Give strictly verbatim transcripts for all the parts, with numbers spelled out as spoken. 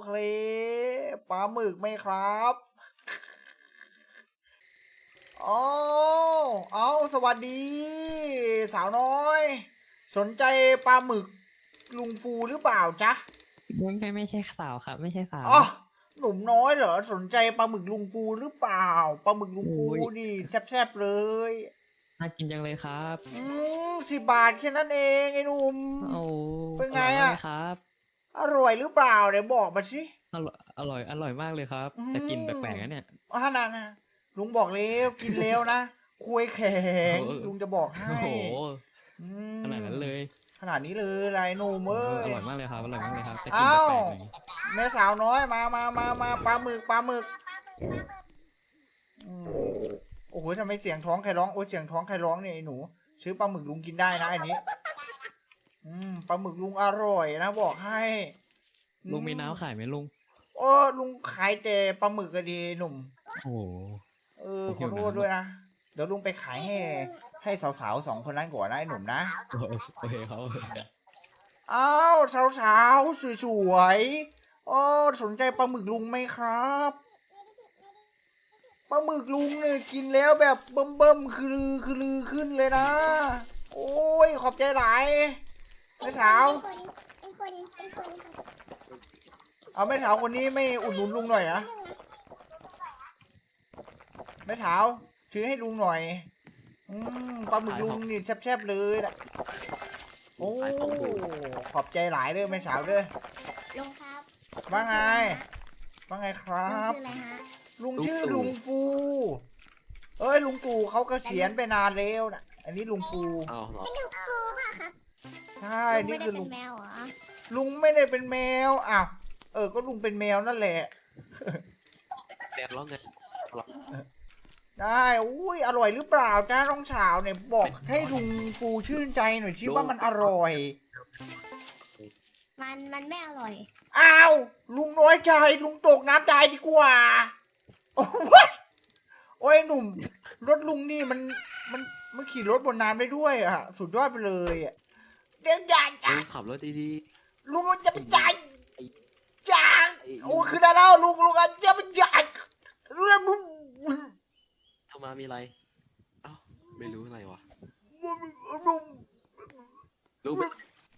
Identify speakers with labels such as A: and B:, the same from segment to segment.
A: เคปลาหมึกไหมครับอ๋อเอาสวัสดี สาวน้อย สนใจปลาหมึกลุงฟูหรือเปล่าจ๊ะ
B: ไม่ไม่ไม่ใช่สาวครับไม่ใช่สาว
A: อ๋อหนุ่มน้อยเหรอสนใจปลาหมึกลุงฟูหรือเปล่าปลาหมึกลุงฟู
B: โอ้ย
A: นี่แซ่บๆเลย
B: น่ากินจังเลยครับ
A: อืมสิบบาทแค่นั้นเองไอ้หนุ่ม
B: โอ้
A: เป็นไง
B: อร่อยมาก
A: อะ
B: เลยครับ
A: อร่อยหรือเปล่าเดี๋ยวบอกมาสิ
B: อร่อยอร่อยอร่อยมากเลยครับ
A: อื
B: แต่กลิ่นแป
A: ม
B: ลกๆนะเนี่ย
A: อ่านะนะลุงบอกแล้วกินแล้วนะคุยแข็ง
B: โอ้โห
A: ลุงจะบอกให้
B: โอ้โห
A: อื
B: ขนาดนั้น
A: ม
B: เลย
A: ขนาดนี้เลยไรหนุ่ม
B: โอ้
A: เอ้ย
B: อร่อยมากเลยครับอร่อยมากเลยครับแต่กลิ่น
A: อ้าว
B: แปลกๆหน่อย
A: แม่สาวน้อยมามามามาปลาหมึกปลาหมึกอืมโอ้โหทำไมเสียงท้องใครร้องโอ้ยเสียงท้องใครร้องเนี่ยไอ้หนูซื้อปลาหมึกลุงกินได้นะอันนี้อืมปลาหมึกลุงอร่อยนะบอกให้
B: ลุงมีน้ำขายไหมลุง
A: โอ้ลุงขายแต่ปลาหมึกก็ดีหนุ่ม
B: โอ้โห
A: เออ
B: ผม
A: ข
B: หิ
A: อ
B: ว
A: โทษ
B: น้ำ
A: ด้วยนะเดี๋ยวลุงไปขายให้ให้สาวๆสองคนนั้นก่อนนะไอ้หนุ่มนะ
B: โอ้โหโอเคครับ
A: อ้าวสาวๆสวยๆโอ้สนใจปลาหมึกลุงไหมครับปลาหมึกลุงเนี่ยกินแล้วแบบเบิ่มๆคือลือคือลือขึ้นเลยนะโอ้ยขอบใจหลายแม่สาวเอาแม่สาวคนนี้ไม่อุดหนุนลุงหน่อยนะแม่สาวซื้อให้ลุงหน่อยอืมปลาหมึกลุงนี่แซ่บๆเลยนะโอ้ขอบใจหลายเลยแม่สาวเด้อ
C: ลุงครับ
A: ว่าไงว่าไงครั
C: ลุง
A: บ
C: ชื่ออะไรฮะ
A: ลุงชื่อลุงฟู เอ้ยลุงตู่เขาเกษียณไปนานแล้วนะอันนี้ลุงฟู
D: อ้าวเหรอ
C: เป็นลุงฟูป่ะครับ
A: ใช่
C: ลุง
A: นี่
C: ไม่ได้
A: คือ
C: เป็
A: ลุ
C: น
A: ง
C: แมวเหรอ
A: ลุงไม่ได้เป็นแมวอ้าวเออก็ลุงเป็นแมวนั่นแหละ
D: แดดร้อนไง
A: ได้อุ้ยอร่อยหรือเปล่าจ้าน้องสาวเนี่ยบอกให้ลุงฟูชื่นใจหน่อยชิว่ามันอร่อย
C: มันมันไม่อร่อย
A: อ้าวลุงน้อยใจลุงตกน้ำตายดีกว่าโอ้ยโอ้ยหนุ่มรถลุงนี่มันมันมันขี่รถบนน้ำได้ด้วยอะสุดยอดไปเลยอะเดี๋ยวอย่าอย่า
D: ลุงขับรถดี
A: ลุงจะไปจ่ายจ่ายโอ้คือได้แล้วลุงลุงจะไปจ่ายเรื่องมึง
D: ๆโทรมามีอะไรเอ้าไม่รู้อะไรวะ
A: ลุง
D: รู้ไหม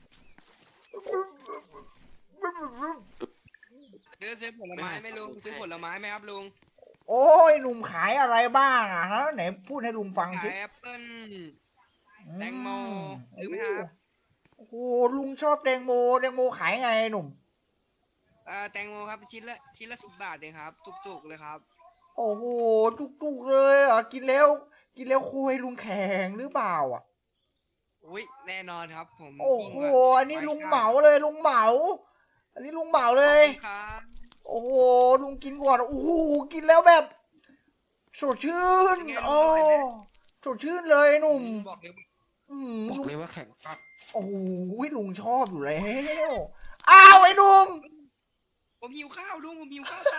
E: ซื้อซื้อผลไม้ไหมลุงซื้อผลไม้ไหมครับลุง
A: โอ้ยหนุ่มขายอะไรบ้างอะฮะไหนพูดให้ลุงฟัง
E: ขา
A: สิ
E: ยแอปเปิ้ล แตงโมซื้อไหมครับ
A: โอ้โหลุงชอบแตงโมแตงโมขายไงหนุ่ม
E: เอ่อแตงโมครับชิ้นละชิ้นละสิบบาทเองครับจุกๆเลยครับ
A: โอ้โหจุกๆเลยอ่ะกินแล้ว กินแล้วคุยลุงแข็งหรือเปล่าอ่ะ
E: อุ้ยแน่นอนครับผม
A: โอ้
E: ยิ่ง
A: โห
E: กว่า
A: อันนี้ลุงเหมาเลยลุงเหมา อันนี้ลุงเหมาเลย
E: ครับ
A: โอ้โหลุงกินก่อนโอ้โหกินแล้วแบบสดชื่นโอ้สดชื่นเลยหนุ่ม
E: บอกเลย
A: อืม
D: บอก
A: ลุง
D: เลยว่าแข่งปัก
A: โอ้โหลุงชอบอยู่แล้วอ้าวไอ้หนุ่ม
E: ผมหิวข้าวลุงผมหิวข้าวไป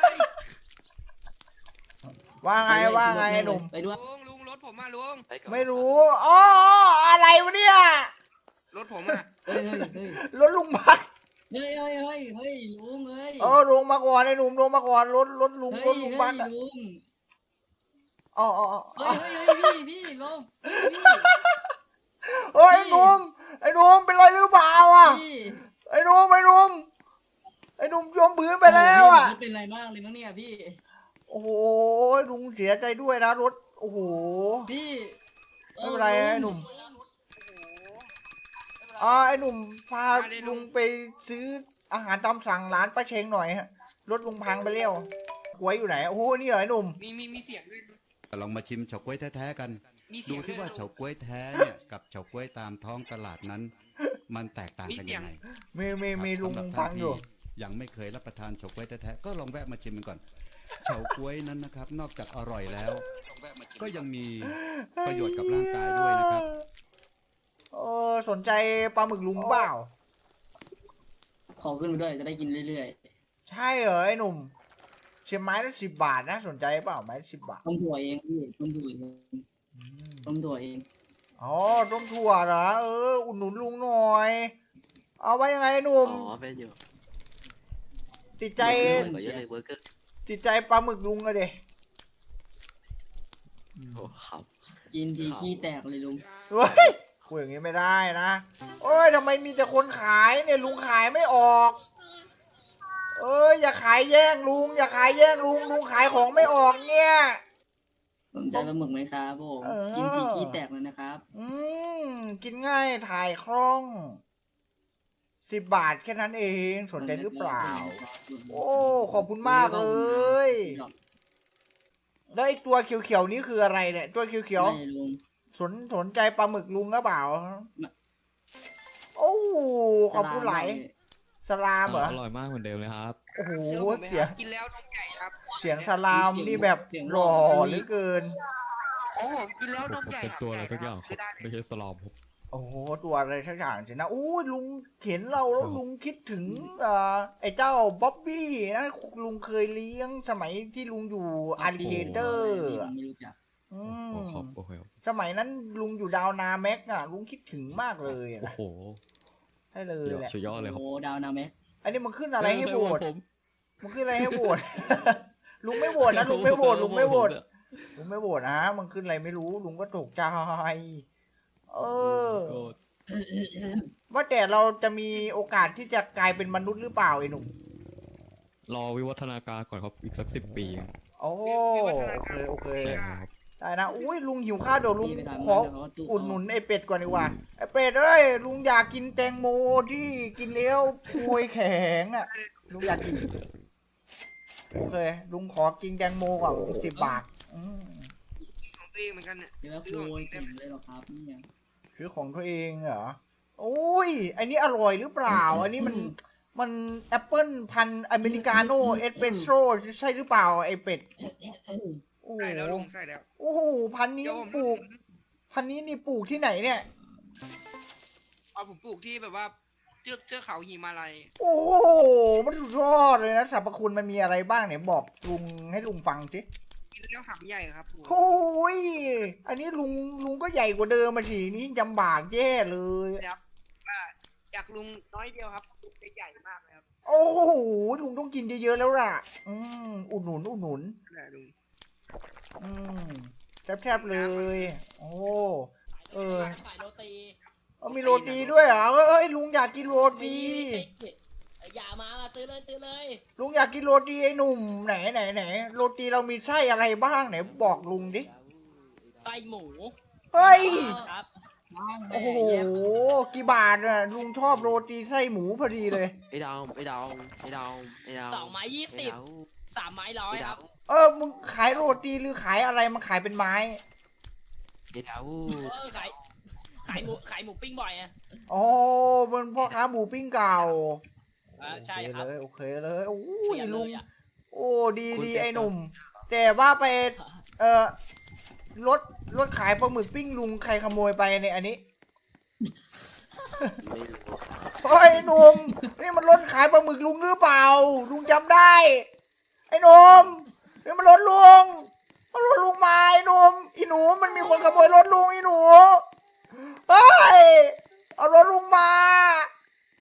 A: ว่าไงว่าไงหนุ่ม
B: ไปด้วย
E: ลุงลุงรถผมมาลุง
D: ไปก่อน
A: ไม่รู้อ๋ออะไรวะเนี่ย
E: รถผมอ่ะ
B: เฮ้ยเฮ้ยเฮ้ย
A: รถลุงพัก
B: เฮ้ยเฮ้ยเฮ้ยเฮ้ยลุงเฮ้ย
A: เออลงมาก่อนไอ้หนุ่มลงมาก่อนรถรถลุงรถลุงพักอะ
B: ลุง
A: อ๋ออ๋ออ๋อ
B: เฮ้ยเฮ้ยเฮ้ยพี่พี่ลุงพี่
A: เฮ้ยไอ้หนุ่มไอ้หนุ่มเป็นไรหรือเปล่าอ่ะ
B: พี่
A: ไอ้หนุ่มไอ้หนุ่มไอ้หนุ่มจมพื้นไปแล้วอ่ะ
B: เป็นไรมากเลยมั้งเนี่ยพี่
A: โอ้โหลุงเสียใจด้วยนะรถโอ้โห
B: พี่
A: ไม่เป็นไรไอ้หนุ่มอ่าไอ้หนุ่มพาลุงไปซื้ออาหารตามสั่งร้านป้าเชงหน่อยฮะรถลุงพังไปแล้วหวยอยู่ไหนโอ้โหนี่เหรอไอ้หนุ่ม
E: มีมีมีเสียงด้วย
F: ลองมาชิมเฉาก๊วยแท้ๆกัน
E: มีเสี
F: ดู
E: ยง
F: ที่ว่า
E: ด้วย
F: เฉาก๊วยแท้เนี่ยกับเฉาก๊วยตามท้องตลาดนั้น มันแตกต่างกันยังไง
A: มีมีมี
F: ครับ
A: ลุง
F: สำหรับ
A: ฟังอยู่
F: ท่านที่ยังไม่เคยรับประทานเฉาก๊วยแท้ๆก็ลองแวะมาชิมมันก่อน เฉาก๊วยนั้นนะครับ นอกจากอร่อยแล้ว ก็ยังมีประโยชน์กับร่างกายด้วยนะครับ
A: เออสนใจปลาหมึกลุงเปล่า
B: ขอขึ้นไปด้วยจะได้กินเรื่อย
A: ใช่เหรอไอ้หนุ่มเชียงไม้ละสิบบาทนะสนใจเปล่าไม้สิบบาท
B: ๆต้มถั่วเองพี่ต้มถั่วเอง
A: อืม
B: ต้มถั่วเอง
A: อ๋อต้มถั่วเหรอเอออุดหนุนลุงหน่อย เอาไว้ยังไงไอ้หนุ่ม
D: อ๋อเป็นอยู่
A: ติดใจ
D: ขอเยอะเลยเบอร์เกอร์
A: ติดใจปลาหมึกลุงอะเด
D: โอ้ครับ
B: กินทีขี้แตกเลยลุง
A: เฮ้ยคุยอย่างงี้ไม่ได้นะโอ้ยทำไมมีแต่คนขายเนี่ยลุงขายไม่ออกเอ้ยอย่าขายแย่งลุงอย่าขายแย่งลุงลุงขายของไม่ออกเนี่ย
B: สนใจปลาหมึกไหมครับผม
A: เออ
B: กินทีขี้แตกเลยนะครับ
A: อืมกินง่ายถ่ายคล่องสิบบาทแค่นั้นเองสนใจหรือเปล่า โอ้ขอบคุณมากเลย แล้วไอ้ตัวเขียวๆนี่คืออะไรเนี่ยตัวเขียว
B: ไม่ลุง
A: ๆสนสนใจปลาหมึกลุงหรือเปล่า
B: ไม่
A: โอ้ขอบคุณหลายสลามเหรอ
G: อร่อยมากเหมือนเดิมเลยครับ
A: โอ้โห
E: เชื่อผมไหม
A: เสีย
E: ค
A: ง
E: รับกินแล้วนมใหญ่ครับ
A: เสียงสลามนี่แบบหล่อเหลือเกิน
E: โอ้ผมกินแล้วนมใหญ่
G: เป็นตัวอะไรสักอย่างค
E: ซื้
G: รับ
E: อได้
G: ไม่ใช่สลอมครับ
A: โอ้โหตัวอะไรสักอย่างสินะอู้ยลุงเห็นเราแล้วลุงคิดถึงเอ่อไอ้เจ้าบ๊อบบี้นะลุงเคยเลี้ยงสมัยที่ลุงอยู่อาริเกเตอร์
B: ไม่รู้จัก
A: อื
G: โอ้
A: ม
G: ครับโอเคครับ
A: สมัยนั้นลุงอยู่ดาวนาแม็กอะลุงคิดถึงมากเลย
G: โอ้
A: นะ
G: โห
A: ให้เลย
G: ยอด
A: แหละ
G: สุดยอดเลยครับ
B: โอ้ดาวนาแม็ก
A: อันนี้มันขึ้นอะไรให้โหวต
G: ผม
A: มันขึ้นอะไรให้โหวต ลุงไม่โหวตนะลุงไม่โหวตลุงไม่โหวตลุงไม่โหวตนะมันขึ้นอะไรไม่รู้ลุงก็ตกใจเออ
G: โกรธ
A: ว่าแต่เราจะมีโอกาสที่จะกลายเป็นมนุษย์หรือเปล่าไอ้หนุ่ม
G: รอวิวัฒนาการก่อนครับอีกสักสิบปี
A: โอ้โอเคโอเค
G: ใช่ครับ
A: ได้นะอุ้ยลุงหิวข้าวเดี๋ยวลุง
B: ไปทำ
A: ขอ
B: เดี๋ยวเขาตู้
A: อุดหนุนไอ้เป็ดก่อนดีกว่าไอ้เป็ดเอ้ยลุงอยากกินแตงโมที่กินแล้วโคยแข็งอ่ะลุงอยากกินโอเคลุงขอกินแตงโมก่อนสิบบาทอืม
E: ของตัวเองเหมือนกันเนี่ย
B: เดี๋ยวโวยเก่งเลยเหรอครับเนี่ย
A: ซื้อของตัวเองเหรอโอ้ยอันนี้อร่อยหรือเปล่า อันนี้มันมันแอปเปิลพันธุ์อเมริกาโน่เอสเปรสโซ่ใช่หรือเปล่าไอ้เป็ดโอ้โห
E: ใส่แล้วลุงใส่แล้ว
A: โอ้โหพันธุ์นี้
E: เดี๋ยวผม
A: ปลูก พันธุ์นี้นี่ปลูกที่ไหนเนี่ย
E: เอาผมปลูกที่แบบว่าเชือกเชือกเขาหิมาลัย
A: โอ้โหมันสุดยอดเลยนะสรรพคุณมันมีอะไรบ้างเนี่ยบอกลุงให้ลุงฟังสิ
E: กินแล้วหำใหญ่ครับผม
A: โอ้ยอันนี้ลุงลุงก็ใหญ่กว่าเดิมมาสินี่จำบากแย่เลย
E: ว่าอยากลุงน้อยเดียวครับปลูกได้ใหญ่มากเลยครับ
A: โอ้โหลุงต้องกินเยอะๆแล้วล่ะ อืมอุดหนุนอุดหนุน
E: นั่นแหละลุง
A: อืมแทบๆเลย โอ้เออ
H: ขายโรตี
A: เอามีโรตีด้วยเหรอเอ้ยลุงอยากกินโรตี
H: อย่ามาซื้อเลยซื้อเลย
A: ลุงอยากกินโรตีไอ้หนุ่มไหนไหนไหนโรตีเรามีไส้อะไรบ้างไหนบอกลุงดิ
H: ไส้หมู
A: เฮ้ย
H: ครับ
A: โอ้โหกี่บาทอ่ะลุงชอบโรตีไส้หมูพอดีเลย
D: ไอ้ดาวไอ้ดาวไอ้ดาวไอ้ดาว
H: สองไม้ยี่
D: ไอ้
H: สิบ
D: ดาว
H: สามไม้ร้อย
D: ไอ้
H: ค
D: ดา
H: รั
D: ว
H: บ
A: เออมึงขายโรตีหรือขายอะไรมันขายเป็นไม้
D: ไอ้ดาว
H: เออขายขายหมูขายหมูปิ้งบ่อยอ่ะ
A: โอ้มันพ่อค้าหมูปิ้งเก่า
H: อ่าใช่ครับ
A: โอเคเลยโอเคเลยโอ้
H: เสี
A: ย
H: ยเล
A: ลุง
H: ยอ่ะ
A: โอ้ดีดีไอ้หนุ่ม แต่ว่าไปเออรถรถขายปลาหมึกปิ้งลุงใครขโมยไปในอันนี้
D: ไม่รู้ครับ
A: เฮ้ยไอ้หนุ่มนี่มันรถขายปลาหมึกลุงหรือเปล่า ลุงจำได้ ไอ้หนุ่มนี่มันรถลุงมันรถลุงมาไอ้หนุ่มอีหนูมันมีคนขโมยรถลุงอีหนูเฮ้ยเอารถลุงมา